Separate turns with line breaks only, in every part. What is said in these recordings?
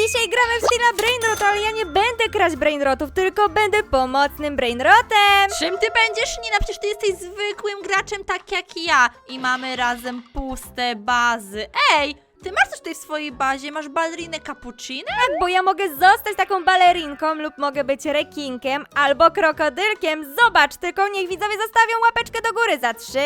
dzisiaj gramy w Steala Brainrot, ale ja nie będę kraść brainrotów, tylko będę pomocnym brainrotem.
Czym ty będziesz, Nina? Przecież ty jesteś zwykłym graczem tak jak ja i mamy razem puste bazy. Ej, ty masz coś tutaj w swojej bazie? Masz balerinę cappuccino?
Tak, bo ja mogę zostać taką balerinką lub mogę być rekinkiem albo krokodylkiem. Zobacz, tylko niech widzowie zostawią łapeczkę do góry za 3,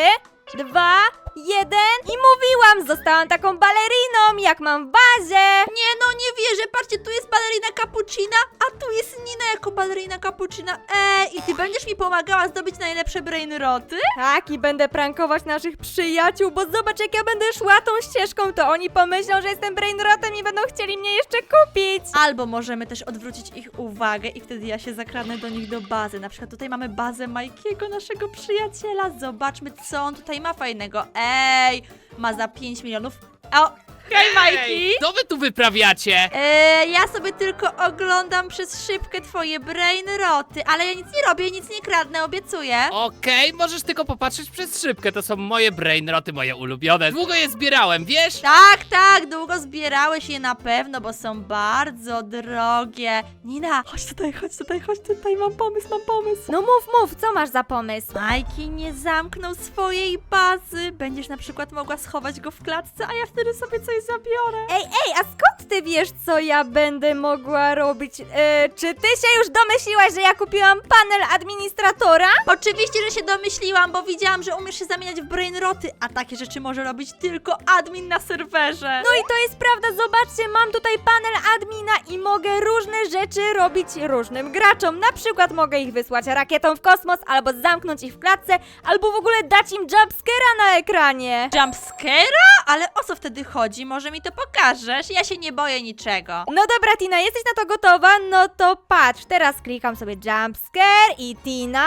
2, 1 i mówiłam, zostałam taką baleriną, jak mam w bazie.
Nie no, nie wierzę, patrzcie, tu jest balerina cappuccina, a tu jest Nina jako balerina cappuccina. Ej, i ty będziesz mi pomagała zdobyć najlepsze brainroty?
Tak, i będę prankować naszych przyjaciół, bo zobacz, jak ja będę szła tą ścieżką, to oni pomyślą, że jestem brainrotem i będą chcieli mnie jeszcze kupić.
Albo możemy też odwrócić ich uwagę i wtedy ja się zakradnę do nich do bazy. Na przykład tutaj mamy bazę Majkiego, naszego przyjaciela. Zobaczmy, co on tutaj ma fajnego. Ej, ma za 5 milionów. O, hej Majki!
Co wy tu wyprawiacie?
Ja sobie tylko oglądam przez szybkę twoje brainroty, ale ja nic nie robię, nic nie kradnę, obiecuję.
Okej, możesz tylko popatrzeć przez szybkę, to są moje brainroty, moje ulubione. Długo je zbierałem, wiesz?
Tak, tak, długo zbierałeś je na pewno, bo są bardzo drogie. Nina, chodź tutaj, mam pomysł.
No mów, co masz za pomysł?
Majki nie zamknął swojej bazy. Będziesz na przykład mogła schować go w klatce, a ja wtedy sobie coś zabiorę.
Ej, a skąd ty wiesz, co ja będę mogła robić? Czy ty się już domyśliłaś, że ja kupiłam panel administratora?
Oczywiście, że się domyśliłam, bo widziałam, że umiesz się zamieniać w brainroty, a takie rzeczy może robić tylko admin na serwerze.
No i to jest prawda, zobaczcie, mam tutaj panel admina i mogę różne rzeczy robić różnym graczom. Na przykład mogę ich wysłać rakietą w kosmos, albo zamknąć ich w klatce, albo w ogóle dać im jumpscare'a na ekranie.
Jumpscare'a? Ale o co wtedy chodzi? Może mi to pokażesz? Ja się nie boję niczego.
No dobra, Tina, jesteś na to gotowa? No to patrz, teraz klikam sobie jumpscare i Tina...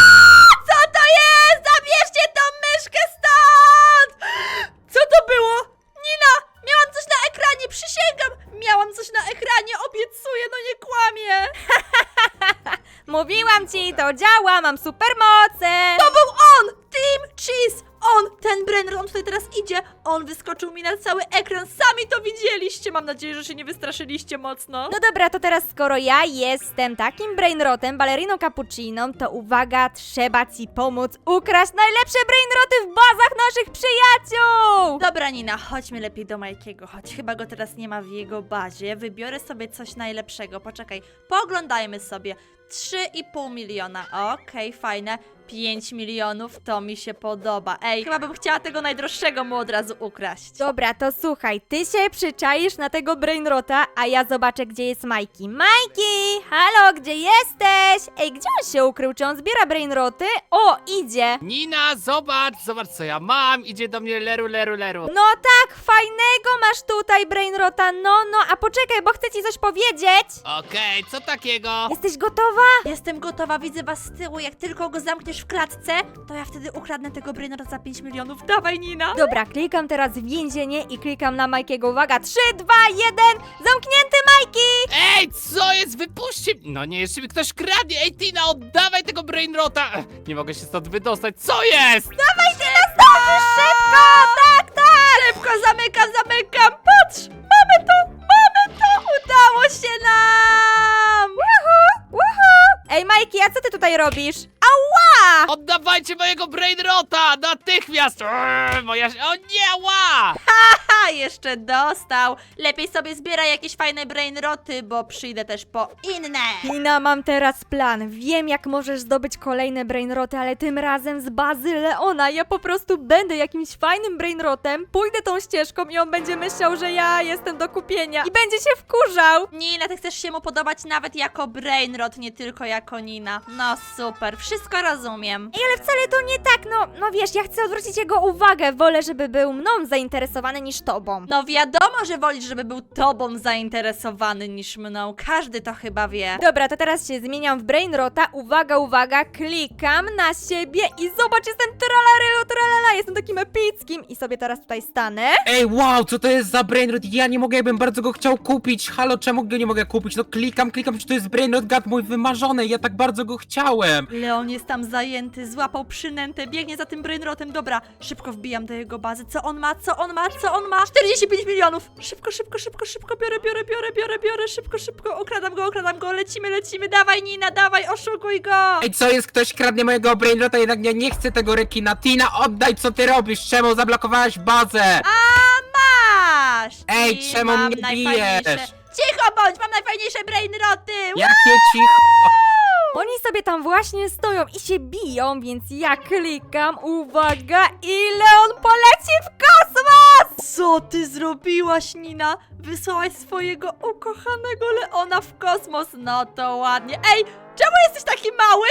Co to jest? Zabierzcie tą myszkę stąd! Co to było? Nina, miałam coś na ekranie, przysięgam! Miałam coś na ekranie, obiecuję, no nie kłamię!
Mówiłam ci, to działa, mam supermoce!
To był on! Team Cheese! On! Ten brainrot, on tutaj teraz idzie! On wyskoczył mi na cały ekran, sami to widzieliście! Mam nadzieję, że się nie wystraszyliście mocno.
No dobra, to teraz skoro ja jestem takim brainrotem, baleriną cappucciną, to uwaga, trzeba ci pomóc ukraść najlepsze brainroty w bazach naszych przyjaciół!
Dobra Nina, chodźmy lepiej do Majkiego, chodź, chyba go teraz nie ma w jego bazie. Wybiorę sobie coś najlepszego, poczekaj, pooglądajmy sobie. 3,5 miliona, okej, fajne. 5 milionów, to mi się podoba. Ej, chyba bym chciała tego najdroższego mu od razu ukraść.
Dobra, to słuchaj, ty się przyczaisz na tego brainrota, a ja zobaczę, gdzie jest Majki. Majki! Halo, gdzie jesteś? Ej, gdzie on się ukrył? Czy on zbiera brainroty? O, idzie!
Nina, zobacz co ja mam, idzie do mnie leru.
No tak, fajnego masz tutaj brainrota, no, a poczekaj, bo chcę ci coś powiedzieć.
Okej, co takiego?
Jesteś gotowa?
Jestem gotowa, widzę was z tyłu. Jak tylko go zamkniesz w klatce, to ja wtedy ukradnę tego brainrota za 5 milionów. Dawaj, Nina!
Dobra, klikam teraz w więzienie i klikam na Majkiego. Uwaga, 3, 2, 1, zamknięty Majki!
Ej, co jest? Wypuśćcie! No nie, jeszcze mi ktoś kradnie! Ej, Tina, oddawaj tego brainrota! Nie mogę się stąd wydostać, co jest?
Dawaj, ty nastąpisz szybko! Tak!
Szybko zamykam! Patrz! Mamy to! Udało się nam!
Woohoo! Ej, Majki, a co ty tutaj robisz? Ała!
Oddawajcie mojego brainrota! Natychmiast! O nie, ła!
Ha, jeszcze dostał. Lepiej sobie zbieraj jakieś fajne brainroty, bo przyjdę też po inne.
Tina, mam teraz plan. Wiem, jak możesz zdobyć kolejne brainroty, ale tym razem z bazy Leona. Ja po prostu będę jakimś fajnym brainrotem, pójdę tą ścieżką i on będzie myślał, że ja jestem do kupienia i będzie się wkurzał.
Nina, ty chcesz się mu podobać nawet jako brainrot, nie tylko jako Nina. No super, wszystko rozumiem.
Ej, ale wcale to nie tak, no wiesz, ja chcę odwrócić jego uwagę. Wolę, żeby był mną zainteresowany niż tobą.
No wiadomo, że wolisz, żeby był tobą zainteresowany niż mną. Każdy to chyba wie.
Dobra, to teraz się zmieniam w brainrota. Uwaga, klikam na siebie i zobacz, jestem tralala, jestem takim epickim i sobie teraz tutaj stanę.
Ej, wow, co to jest za brainrot? Ja nie mogę, ja bym bardzo go chciał kupić. Halo, czemu go nie mogę kupić? No klikam, czy to jest brainrot gad mój wymarzony. Ja tak bardzo go chciałem.
Leon jest tam zajęty, złapał przynętę, biegnie za tym brainrotem. Dobra, szybko wbijam do jego bazy. Co on ma? 45 milionów! Szybko, szybko, szybko, szybko, biorę, szybko, okradam go, lecimy, dawaj Nina, dawaj, oszukuj go!
Ej, co jest? Ktoś kradnie mojego brainrota, jednak ja nie chcę tego rekina. Tina, oddaj, co ty robisz? Czemu zablokowałaś bazę?
Masz!
Ej,
I
czemu
mam
mnie
najfajniejsze-
bijesz?
Cicho bądź, mam najfajniejsze brainroty!
Jakie cicho?
Oni sobie tam właśnie stoją i się biją, więc ja klikam, uwaga, i Leon poleci w kosmos!
Co ty zrobiłaś, Nina? Wysłałaś swojego ukochanego Leona w kosmos. No to ładnie. Ej, czemu jesteś taki mały?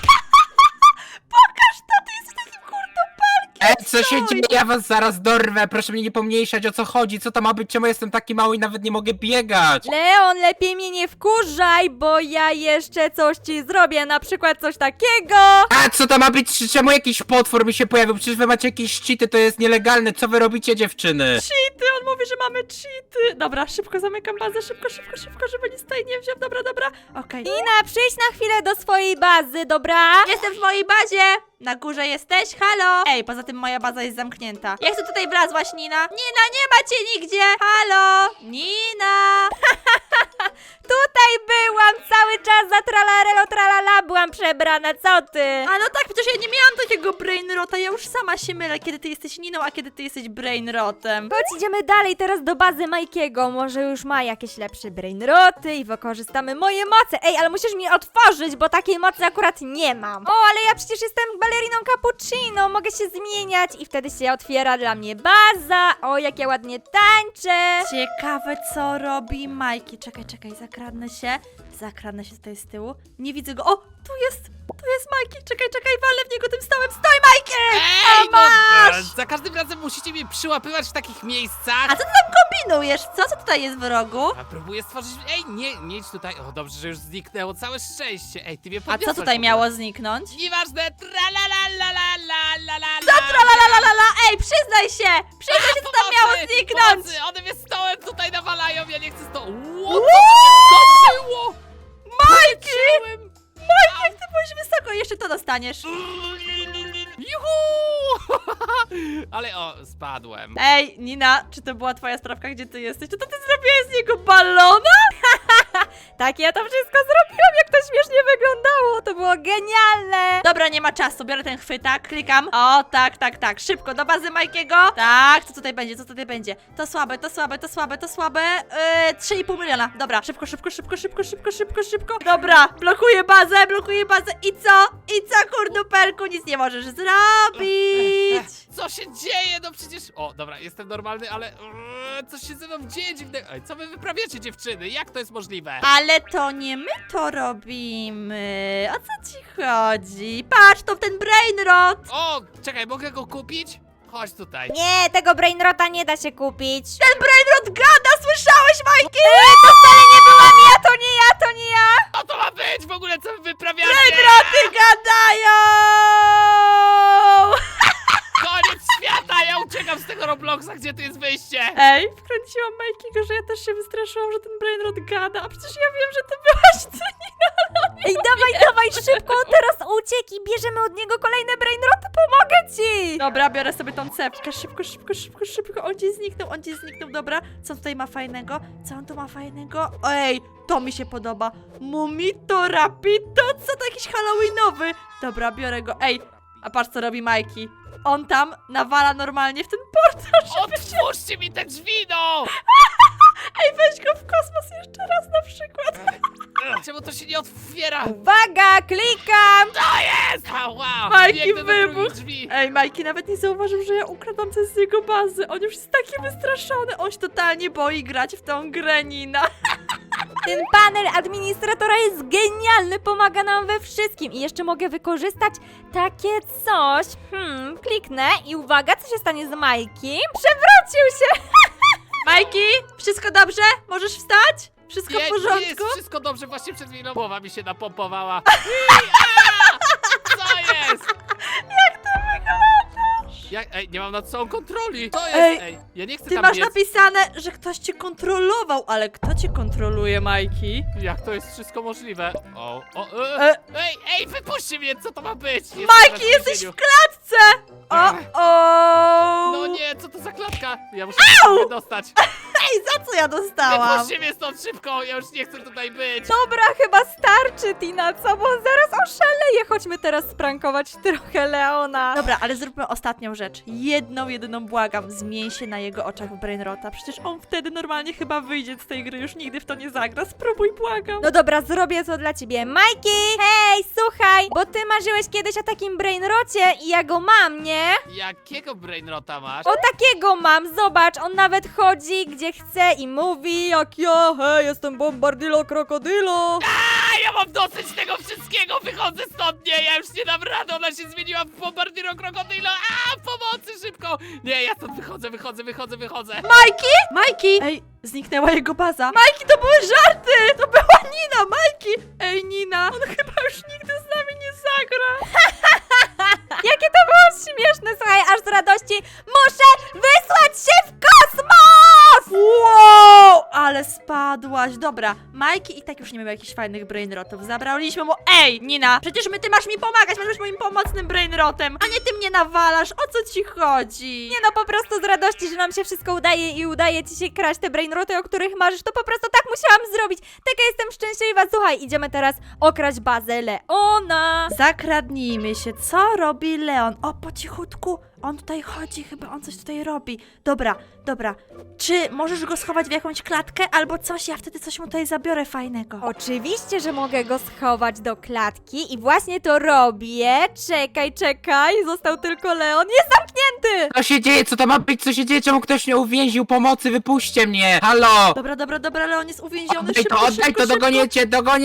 Pokaż to, ty jesteś takim kurdopelkiem.
Ej, co się dzieje? Ja was zaraz dorwę. Proszę mnie nie pomniejszać, o co chodzi. Co to ma być? Czemu jestem taki mały i nawet nie mogę biegać?
Leon, lepiej mnie nie wkurzaj, bo ja jeszcze coś ci zrobię, na przykład coś takiego.
A co to ma być? Czemu jakiś potwór mi się pojawił? Przecież wy macie jakieś cheaty, to jest nielegalne. Co wy robicie, dziewczyny?
Cheaty, on mówi, że mamy cheaty. Dobra, szybko zamykam bazę, szybko, żeby nic tutaj nie wziął. Dobra. Okej.
Nina, przyjdź na chwilę do swojej bazy, dobra?
Jestem w mojej bazie! Na górze jesteś? Halo! Ej, poza tym moja baza jest zamknięta. Jak tu tutaj wlazłaś, Nina? Nina, nie ma cię nigdzie! Halo! Nina!
Tutaj byłam cały czas za tralarelo tralala, byłam przebrana, co ty?
A no tak, przecież ja nie miałam takiego brainrota, ja już sama się mylę, kiedy ty jesteś Niną, a kiedy ty jesteś brainrotem.
Chodź, idziemy dalej teraz do bazy Majkiego, może już ma jakieś lepsze brainroty i wykorzystamy moje moce. Ej, ale musisz mi otworzyć, bo takiej mocy akurat nie mam. O, ale ja przecież jestem baleriną cappuccino, mogę się zmieniać i wtedy się otwiera dla mnie baza. O, jak ja ładnie tańczę.
Ciekawe, co robi Majki. Czekaj, zakradnę się tutaj z tyłu. Nie widzę go. O, tu jest Majki. Czekaj, walę w niego tym stołem. Stoj, Majki!
Ej, no,
masz!
za każdym razem musicie mnie przyłapywać w takich miejscach.
A co ty tam kombinujesz? Co tutaj jest w rogu?
A próbuję stworzyć... Ej, nie idź tutaj. O, dobrze, że już zniknęło. Całe szczęście. Ej, ty mnie
A
podniosłaś
co tutaj
w ogóle.
miało zniknąć?
Nieważne. Tralalalala.
Tralalala, ej, przyznaj się, co tam miało zniknąć?
Pomocy, one mnie stołem tutaj nawalają, ja nie chcę stołu. Co to się zdarzyło? Majki!
Majki, jak ty byłeś wysoko, jeszcze to dostaniesz.
Juhu! Ale spadłem.
Ej, Nina, czy to była twoja sprawka, gdzie ty jesteś? Czy to ty zrobiłaś z niego balona?
Tak, ja to wszystko zrobiłam, jak to śmiesznie wyglądało, to było genialne.
Dobra, nie ma czasu, biorę ten chwytak, klikam. O, tak, szybko, do bazy Majkiego. Tak, co tutaj będzie? To słabe. 3,5 miliona. Dobra, szybko. Dobra, blokuję bazę. I co, kurdupelku, nic nie możesz zrobić.
Co się dzieje? No przecież... O, dobra, jestem normalny, ale... coś się ze mną dzieje dziwnego. Ej, co wy wyprawiacie, dziewczyny? Jak to jest możliwe?
Ale to nie my to robimy. O co ci chodzi? Patrz, to ten brainrot.
O, czekaj, mogę go kupić? Chodź tutaj.
Nie, tego brainrota nie da się kupić.
Ten brainrot gada, słyszałeś, Majki?
To wcale nie byłam ja, to nie ja.
Co to ma być w ogóle? Co wy wyprawiacie?
Brainroty gadają!
Koniec świata! Ja uciekam z tego Robloxa, gdzie tu jest wyjście?
Ej, wkręciłam Majkiego, że ja też się wystraszyłam, że ten brainrot gada, a przecież ja wiem, że ty byłaś ty.
Ej, dawaj, szybko, on teraz uciekł i bierzemy od niego kolejne brainroty, pomogę ci.
Dobra, biorę sobie tą cepkę, szybko. On gdzieś zniknął, dobra. Co on tutaj ma fajnego? Ej, to mi się podoba. Mumito Rapito, co to jakiś halloweenowy? Dobra, biorę go. Ej, a patrz co robi Majki. On tam nawala normalnie w ten portal, żeby się...
Otwórzcie mi te drzwi, no!
Ej, weź go w kosmos jeszcze raz na przykład.
Czemu to się nie otwiera?
Uwaga, klikam.
To jest! Ała!
Majki,
Biegnę do drugich
wybuch.
drzwi.
Ej, Majki nawet nie zauważył, że ja ukradam coś z jego bazy. On już jest taki wystraszony. On się totalnie boi grać w tą grę, Nina.
Ten panel administratora jest genialny, pomaga nam we wszystkim i jeszcze mogę wykorzystać takie coś. Kliknę i uwaga, co się stanie z Majkiem? Przewrócił się!
Majki, wszystko dobrze? Możesz wstać? Wszystko w
Nie
porządku?
jest wszystko dobrze, właśnie przed chwilą głowa mi się napompowała. Co jest?
Jak to wyglądasz? Ej, nie mam nad sobą kontroli. To jest,
Ej,
ej, ja nie chcę
Ty
tam
masz
biec.
napisane, że ktoś cię kontrolował, ale kto cię kontroluje, Majki?
Jak to jest wszystko możliwe? Ej, wypuśćcie mnie, co to ma być? Jestem
Majki,
teraz w
jesteś
więzieniu.
w klatce! O!
No nie, co to za klatka? Ja muszę się wydostać.
Ej, za co ja dostałam?
Wypuśćcie mnie stąd szybko, ja już nie chcę tutaj być.
Dobra, chyba starczy, Tina, co? Bo zaraz oszaleję. Chodźmy teraz sprankować trochę Leona.
Dobra, ale zróbmy ostatnią rzecz. Jedyną błagam, zmień się na jego oczach w Brainrota. Przecież on wtedy normalnie chyba wyjdzie z tej gry, już nigdy w to nie zagra. Spróbuj, błagam.
No dobra, zrobię to dla ciebie. Majki! Hej, słuchaj, bo ty marzyłeś kiedyś o takim brainrocie i ja go mam, nie?
Jakiego brainrota masz?
O takiego mam, zobacz, on nawet chodzi gdzie chce i mówi jak ja, hej, jestem Bombardilo Krokodilo.
A ja mam dosyć tego wszystkiego, wychodzę stąd, nie, ja już nie dam rady, ona się zmieniła w Bombardiro Krokodilo, pomocy szybko! Nie, ja stąd wychodzę.
Majki! Ej, zniknęła jego baza. Majki, to były żarty! To była Nina, Majki! Ej, Nina, on chyba już nigdy z nami nie zagra.
Jakie to było śmieszne, słuchaj, aż z radości muszę wysłać się w kosmos!
Wow, ale spadłaś. Dobra, Majki i tak już nie miał jakichś fajnych brainrotów. Zabraliśmy mu... Ej, Nina, przecież ty masz mi pomagać, masz być moim pomocnym brainrotem, a nie ty mnie nawalasz. O co ci chodzi?
Nie no, po prostu z radości, że nam się wszystko udaje i udaje ci się kraść te brainroty, o których marzysz, to po prostu tak musiałam zrobić. Taka jestem szczęśliwa. Słuchaj, idziemy teraz okraść bazę Leona.
Zakradnijmy się. Co robi Leon? O, po cichutku. On tutaj chodzi, chyba on coś tutaj robi. Dobra. Czy możesz go schować w jakąś klatkę albo coś? Ja wtedy coś mu tutaj zabiorę fajnego.
Oczywiście, że mogę go schować do klatki i właśnie to robię. Czekaj, został tylko Leon. Jest zamknięty!
Co się dzieje? Co to ma być? Co się dzieje? Czemu ktoś mnie uwięził? Pomocy, wypuśćcie mnie! Halo!
Dobra, Leon jest uwięziony.
Oddaj
Szybko.
to, dogoniecie! O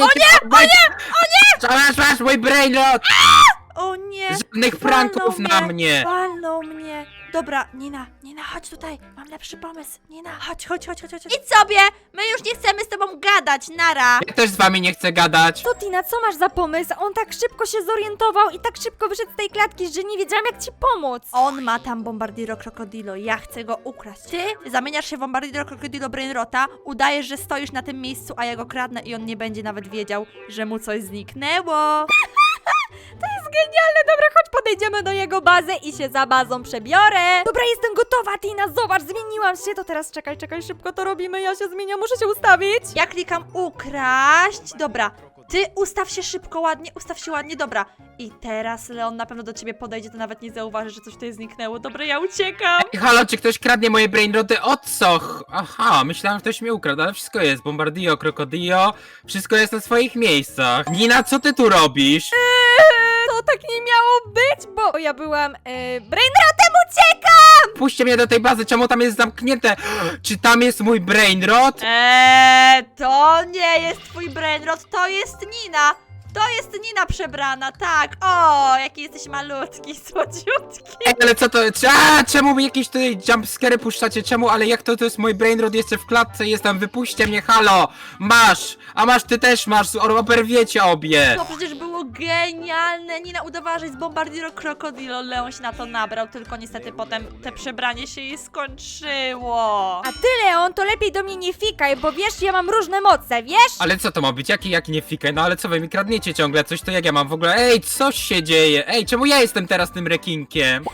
nie! Masz mój brainrot!
O nie!
Żadnych pranków na mnie!
Walnął mnie! Dobra, Nina, chodź tutaj, mam lepszy pomysł. Nina, chodź. Idź sobie! My już nie chcemy z tobą gadać, nara!
Ja też z wami nie chcę gadać!
To Tina, co masz za pomysł? On tak szybko się zorientował i tak szybko wyszedł z tej klatki, że nie wiedziałam jak ci pomóc.
On ma tam Bombardiro Krokodilo, ja chcę go ukraść. Ty zamieniasz się w Bombardiro Krokodilo Brainrota, udajesz, że stoisz na tym miejscu, a ja go kradnę i on nie będzie nawet wiedział, że mu coś zniknęło.
To jest genialne, dobra, chodź podejdziemy do jego bazy i się za bazą przebiorę. Dobra, jestem gotowa, Tina, zobacz, zmieniłam się. To teraz czekaj, szybko to robimy, ja się zmieniam, muszę się ustawić.
Ja klikam ukraść. Dobra, ty ustaw się szybko, ładnie, dobra. I teraz Leon na pewno do ciebie podejdzie, to nawet nie zauważy, że coś tutaj zniknęło. Dobra, ja uciekam.
Ej, halo, czy ktoś kradnie moje brainroty? O co? Aha, myślałem, że ktoś mnie ukradł, ale wszystko jest. Bombardillo, Krokodillo, wszystko jest na swoich miejscach. Nina, co ty tu robisz?
To tak nie miało być, bo ja byłam brainrotem, uciekam!
Puśćcie mnie do tej bazy, czemu tam jest zamknięte? Czy tam jest mój brainrot?
To nie jest twój brainrot, to jest Nina. To jest Nina przebrana, tak. O, jaki jesteś malutki, słodziutki.
Ej, ale co to? Czemu mi jakieś tutaj jumpscary puszczacie? Czemu? Ale jak to jest mój brainrot? Jeszcze w klatce jestem, wypuśćcie mnie, halo! Masz! A masz, ty też masz, oberwiecie obie!
To przecież było genialne. Nina udawała, że jest Bombardiro Krokodilo. Leon się na to nabrał, tylko niestety potem te przebranie się jej skończyło.
A ty, Leon, to lepiej do mnie nie fikaj, bo wiesz, ja mam różne moce, wiesz?
Ale co to ma być? Jaki nie fikaj? No ale co wy mi kradniecie ciągle? Coś to jak ja mam w ogóle? Ej, coś się dzieje? Ej, czemu ja jestem teraz tym rekinkiem?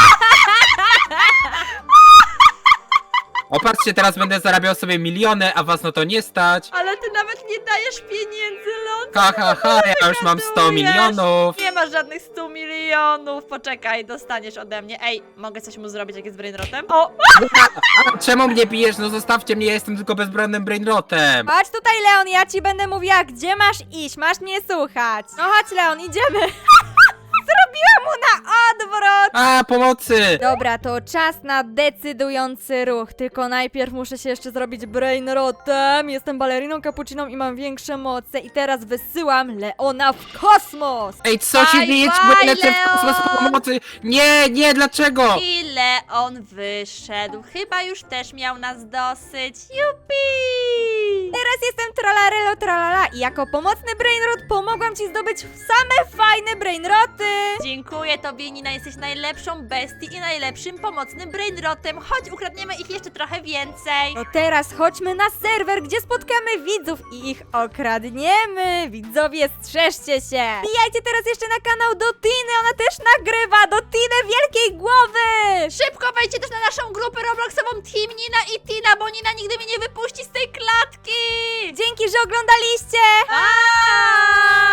O, patrzcie, teraz będę zarabiał sobie miliony, a was no to nie stać.
Ale ty nawet nie dajesz pieniędzy, Leon.
Ha, ja już mam 100 milionów.
Nie masz żadnych 100 milionów. Poczekaj, dostaniesz ode mnie. Ej, mogę coś mu zrobić, jak jest brainrotem? O,
A czemu mnie bijesz? No zostawcie mnie, ja jestem tylko bezbronnym brainrotem.
Chodź tutaj, Leon, ja ci będę mówiła, gdzie masz iść, masz mnie słuchać. No chodź, Leon, idziemy. Zrobiłam mu na odwrót.
A, pomocy!
Dobra, to czas na decydujący ruch. Tylko najpierw muszę się jeszcze zrobić brainrotem. Jestem baleriną cappucciną i mam większe moce. I teraz wysyłam Leona w kosmos.
Ej, co się
Bye,
dzieje?
bye,
Czy lecę w kosmos
Leon!
pomocy? Nie, dlaczego?
ile on wyszedł. Chyba już też miał nas dosyć. Jupi!
Teraz jestem trollarelą tralelo tralala i jako pomocny brainrot pomogłam ci zdobyć same fajne brainroty.
Dziękuję tobie, Nina, jesteś najlepszą bestii i najlepszym pomocnym brainrotem. Chodź, ukradniemy ich jeszcze trochę więcej.
To teraz chodźmy na serwer, gdzie spotkamy widzów i ich okradniemy. Widzowie, strzeżcie się. Wbijajcie teraz jeszcze na kanał Dotiny, ona też nagrywa. Dotiny Wielkiej Głowy.
Szybko wejdźcie też na naszą grupę Robloxową Team Nina i Tina, bo Nina nigdy mnie nie wypuści z tej klatki.
Dzięki, że oglądaliście.
Pa!